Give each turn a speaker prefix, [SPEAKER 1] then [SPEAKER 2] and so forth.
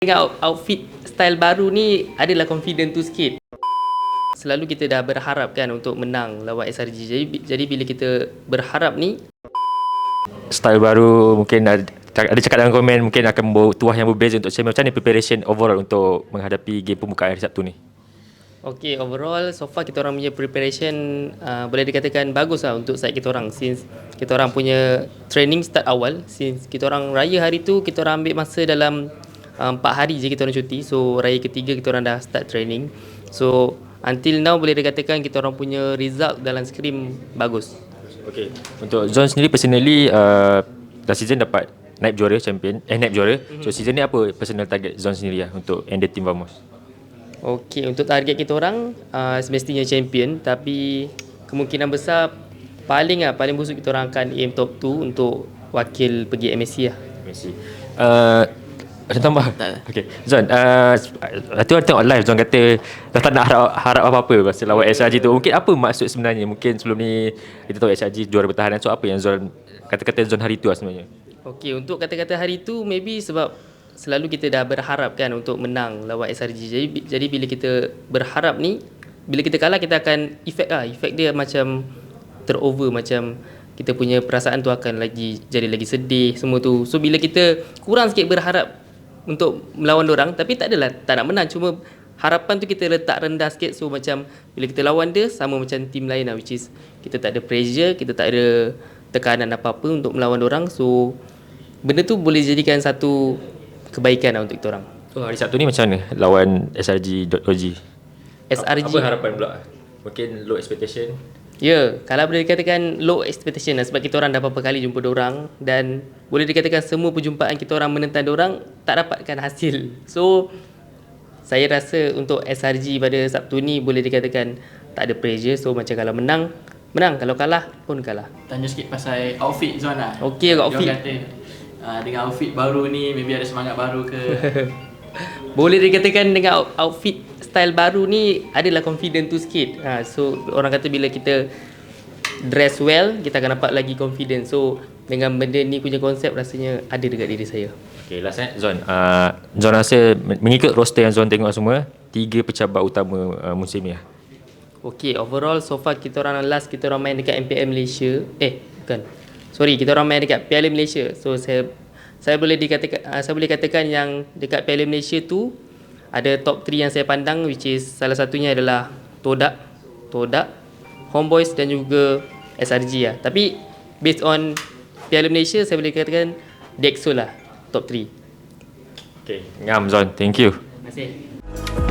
[SPEAKER 1] Dengan outfit style baru ni adalah confident tu sikit. Selalu kita dah berharap kan untuk menang lawan SRG. Jadi bila kita berharap ni,
[SPEAKER 2] Style baru mungkin ada cakap dalam komen mungkin akan membawa tuah yang berbeza untuk saya. Macam mana preparation overall untuk menghadapi game pembukaan hari Sabtu ni?
[SPEAKER 1] okay, overall so far kita orang punya preparation boleh dikatakan bagus lah untuk side kita orang, since kita orang punya training start awal. Since kita orang raya hari tu, kita orang ambil masa dalam 4 hari je kita orang cuti. So raya ketiga kita orang dah start training. So until now boleh dikatakan kita orang punya result dalam scrim bagus.
[SPEAKER 2] Okay. Untuk Zon sendiri personally last season dapat naib juara naib juara. So season ni apa personal target Zon sendiri lah untuk end the team Vamos?
[SPEAKER 1] Okay, untuk target kita orang semestinya champion, tapi kemungkinan besar paling busuk kita orang akan aim top 2 untuk wakil pergi MSC lah.
[SPEAKER 2] MSC. Ada tambah? Okay. Zon, tu ada tengok live Zon kata dah tak nak harap apa-apa pasal lawan SRG tu. Mungkin apa maksud sebenarnya? Mungkin sebelum ni kita tahu SRG juara bertahanan. So apa yang Zon kata-kata Zon hari tu lah sebenarnya?
[SPEAKER 1] Okay, untuk kata-kata hari tu maybe sebab selalu kita dah berharap kan untuk menang lawan SRG. Jadi bila kita berharap ni, bila kita kalah kita akan efek dia macam terover, macam kita punya perasaan tu akan jadi lagi sedih semua tu. So bila kita kurang sikit berharap untuk melawan dorang, tapi tak adalah tak nak menang, cuma harapan tu kita letak rendah sikit. So macam bila kita lawan dia sama macam team lain lah, which is kita tak ada pressure, kita tak ada tekanan apa-apa untuk melawan dorang. So benda tu boleh jadikan satu kebaikan lah untuk kita orang.
[SPEAKER 2] So hari Sabtu ni macam mana lawan SRG.OG?
[SPEAKER 1] SRG
[SPEAKER 2] Apa harapan pula? Mungkin low expectation?
[SPEAKER 1] Ya, kalau boleh dikatakan low expectation lah, sebab kita orang dah berapa kali jumpa dorang dan boleh dikatakan semua perjumpaan kita orang menentang dorang tak dapatkan hasil. So saya rasa untuk SRG pada Sabtu ni boleh dikatakan tak ada pressure. So macam kalau menang, kalau kalah pun kalah.
[SPEAKER 3] Tanya sikit pasal outfit Zon lah.
[SPEAKER 1] Okey, outfit.
[SPEAKER 3] Dia kata dengan outfit baru ni maybe ada semangat baru ke?
[SPEAKER 1] Boleh dikatakan dengan outfit style baru ni adalah confident tu sikit. So orang kata bila kita dress well, kita akan dapat lagi confident. So dengan benda ni punya konsep rasanya ada dekat diri saya.
[SPEAKER 2] Okay, last Zon. Zon rasa mengikut roster yang Zon tengok semua, 3 pencabar utama musim ni lah.
[SPEAKER 1] Okay, overall so far kita orang main dekat MPL Malaysia. Kita orang main dekat Piala Malaysia. So saya boleh katakan yang dekat Piala Malaysia tu ada top 3 yang saya pandang, which is salah satunya adalah Todak, Homeboys dan juga SRG lah. Tapi based on Piala Malaysia saya boleh katakan Dexol lah top 3.
[SPEAKER 2] Okay, ngam Zon. Thank you.
[SPEAKER 1] Terima kasih.